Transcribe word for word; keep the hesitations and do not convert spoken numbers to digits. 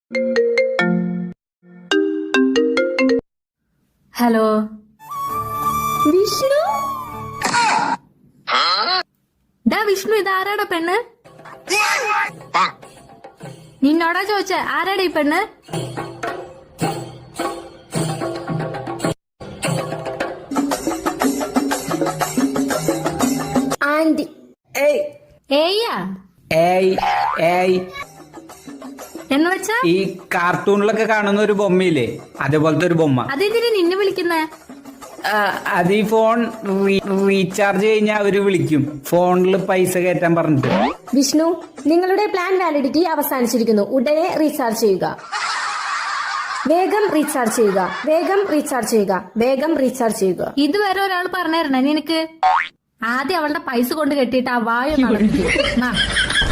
Hello Vishnu ഡാ വിഷ്ണു ഇത് ആരാടാ പെണ്ണ്? നിന്നോടാ ചോദിച്ച ആരാടാ ഈ പെണ്ണ്? ആന്റി. ഏയ് ഏയ്യാ ഏയ് ഏയ് എന്ന് വെച്ചാ ഈ കാർട്ടൂണിലൊക്കെ കാണുന്ന ഒരു ബൊമ്മയില്ലേ, അതേപോലത്തെ ഒരു ബൊമ്മ. അതെന്തിനാ നിന്നെ വിളിക്കുന്നേ? ആ, അത് ഈ ഫോൺ റീ- റീചാർജ് കഴിഞ്ഞാൽ അവര് വിളിക്കും, ഫോണിൽ പൈസ കയറ്റാൻ പറഞ്ഞിട്ട്. വിഷ്ണു, നിങ്ങളുടെ പ്ലാൻ വാലിഡിറ്റി അവസാനിച്ചിരിക്കുന്നു. ഉടനെ റീചാർജ് ചെയ്യുക. വേഗം റീചാർജ് ചെയ്യുക. വേഗം റീചാർജ് ചെയ്യുക. വേഗം റീചാർജ് ചെയ്യുക. ഇതുവരെ ഒരാൾ പറഞ്ഞായിരുന്നേ നിനക്ക്? ആദ്യം അവളുടെ പൈസ കൊണ്ട് കെട്ടിയിട്ട് ആ വായ നടത്തി